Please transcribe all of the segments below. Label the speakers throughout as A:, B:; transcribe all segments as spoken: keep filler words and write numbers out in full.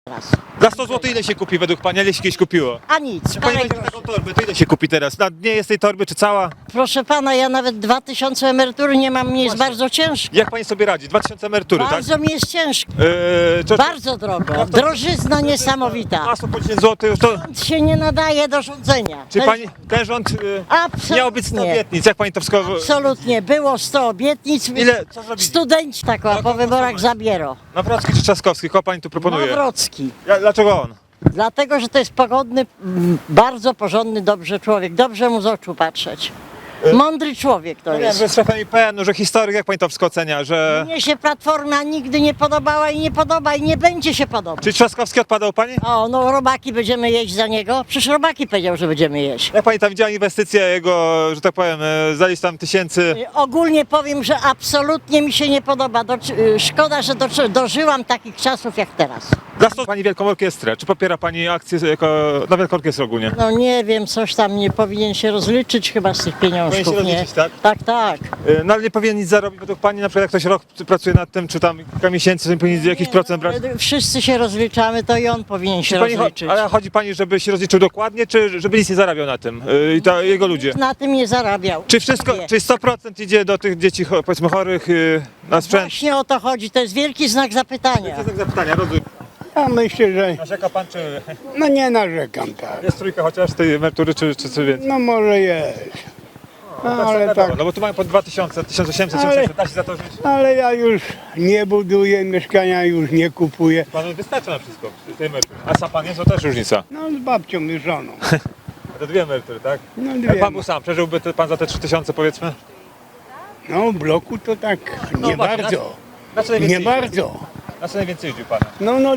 A: Raz.
B: Za sto złotych ile się kupi według pani? Ile się kiedyś kupiło?
A: A nic,
B: Czy pani
A: parę
B: weźmie
A: groszy.
B: taką torbę, to ile się kupi teraz? Na dnie jest tej torby, czy cała?
A: Proszę pana, ja nawet dwa tysiące emerytury nie mam, mi jest bardzo ciężko.
B: Jak pani sobie radzi? dwa tysiące emerytury,
A: Bardzo mi jest ciężko.
B: tak? Yy, to,
A: Bardzo drogo. Drożyzna niesamowita.
B: Masło po dziesięć złotych, to...
A: Rząd się nie nadaje do rządzenia.
B: Czy
A: To
B: pani, ten rząd yy,
A: Absolutnie.
B: miał być sto obietnic, jak pani to wszystko...
A: Absolutnie. Było sto obietnic.
B: Ile? Co zrobili?
A: Studenci tak o, po wyborach zabiero.
B: Nawrocki czy Trzaskowski? Kogo pani tu proponuje?
A: Nawrocki.
B: Ja, dlaczego on?
A: Dlatego, że to jest pogodny, mm, bardzo porządny, dobrze człowiek. Dobrze mu z oczu patrzeć. Mądry człowiek to
B: No wiem,
A: jest.
B: że jest szefem I P N-u, że historyk, jak pani to wszystko ocenia, że...
A: Mnie się Platforma nigdy nie podobała i nie podoba i nie będzie się podobać.
B: Czy Trzaskowski odpadał pani?
A: O, no robaki będziemy jeść za niego. Przecież robaki powiedział, że będziemy jeść.
B: Jak pani tam widziała inwestycje jego, że tak powiem, e, za ileś tam tysięcy...
A: Y, Ogólnie powiem, że absolutnie mi się nie podoba. Do, y, szkoda, że do, dożyłam takich czasów jak teraz.
B: Za sto pani Wielką Orkiestrę. Czy popiera pani akcję jako, na Wielką Orkiestrę ogólnie?
A: No nie wiem, coś tam nie powinien się rozliczyć chyba z tych pieniążków,
B: Powinien się
A: nie?
B: rozliczyć, tak?
A: Tak, tak.
B: E, No ale nie powinien nic zarobić według pani, na przykład jak ktoś rok pracuje nad tym, czy tam kilka miesięcy, to nie powinien jakiś procent brać?
A: Ale wszyscy się rozliczamy, to i on powinien się
B: Czy pani, cho-
A: rozliczyć.
B: ale chodzi pani, żeby się rozliczył dokładnie, czy żeby nic nie zarabiał na tym? E, I ta, jego ludzie?
A: Na tym nie zarabiał.
B: Czy wszystko,
A: Nie.
B: czy sto procent idzie do tych dzieci, cho- powiedzmy chorych e, na sprzęt?
A: Właśnie o to chodzi, to jest wielki znak zapytania.
B: Jest zapytania, rozumiem.
C: Ja myślę, że
B: Narzeka pan, czy
C: no nie narzekam tak.
B: jest trójka chociaż tej emerytury, czy, czy coś więcej?
C: No może jest. No, ale tak,
B: No bo tu mają po dwa tysiące, tysiąc osiemset,
C: Ale-
B: tysiąc osiemset, da się za to żyć?
C: ale ja już nie buduję mieszkania, już nie kupuję.
B: Panu wystarcza na wszystko, tej emerytury. A sam pan jest, to też różnica.
C: No z babcią i żoną.
B: To dwie emerytury, tak?
C: No
B: Jak
C: dwie.
B: pan był sam, przeżyłby te, pan za te trzy tysiące powiedzmy?
C: No w bloku to tak nie
B: właśnie,
C: bardzo.
B: Na co najwięcej
C: Nie
B: jeździł?
C: bardzo.
B: Na co najwięcej jeździł pan?
C: No no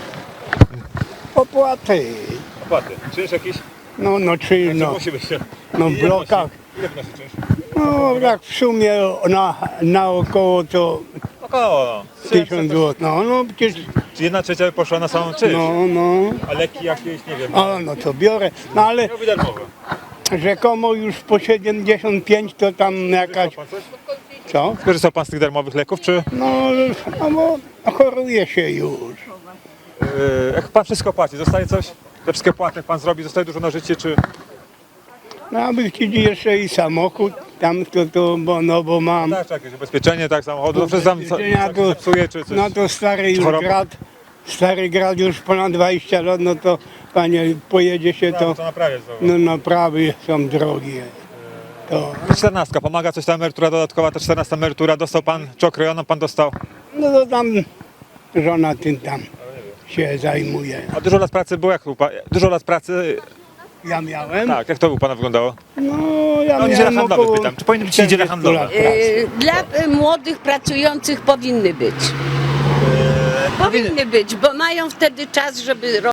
C: opłaty.
B: Opłaty. Czynsz jakiś?
C: No no czy
B: No.
C: no,
B: Musi być.
C: no w
B: Ile
C: blokach.
B: wnosi? Ile wnosi czynsz?
C: No tak w sumie na, na około to
B: Około no.
C: tysiąc złotych. No no przecież
B: Czy jedna trzecia poszła na samą czynsz?
C: no no.
B: A leki jakieś, nie wiem.
C: A no to biorę. No ale
B: Miałby darmowe.
C: rzekomo już po siedemdziesiąt pięć to tam jakaś.
B: Pan coś?
C: Co?
B: Skorzystał pan z tych darmowych leków, czy?
C: No, no bo choruje się już.
B: Yy, jak pan wszystko płaci, zostaje coś? Te wszystkie płaty, jak pan zrobi, zostaje dużo na życie, czy...
C: No aby chcieli jeszcze i samochód tam to, to bo no bo mam.
B: Tak, tak, jakieś ubezpieczenie, tak, samochodu, no wszystko tam co,
C: Ubezpieczenia
B: co,
C: to-
B: psuje, czy coś.
C: No to stary już
B: choroba?
C: grad. Stary grad już ponad dwadzieścia lat, no to panie pojedzie się
B: to,
C: to.
B: to naprawiać znowu.
C: No naprawy są drogie. To.
B: czternastka, pomaga coś ta emerytura dodatkowa, ta czternasta emerytura, dostał pan, czy okrojoną pan dostał?
C: No to tam żona tym tam się zajmuje.
B: A dużo lat pracy było, jak u pa- dużo lat pracy,
C: Ja miałem?
B: tak, jak to u pana wyglądało?
C: No ja
B: No, niedziela
C: miałem
B: handlowa
C: około
B: pytam, czy powinny być niedziele
C: czterdziestu
B: handlowe?
C: lat pracy.
D: Y, Dla y, młodych pracujących powinny być. Powinny być, bo mają wtedy czas, żeby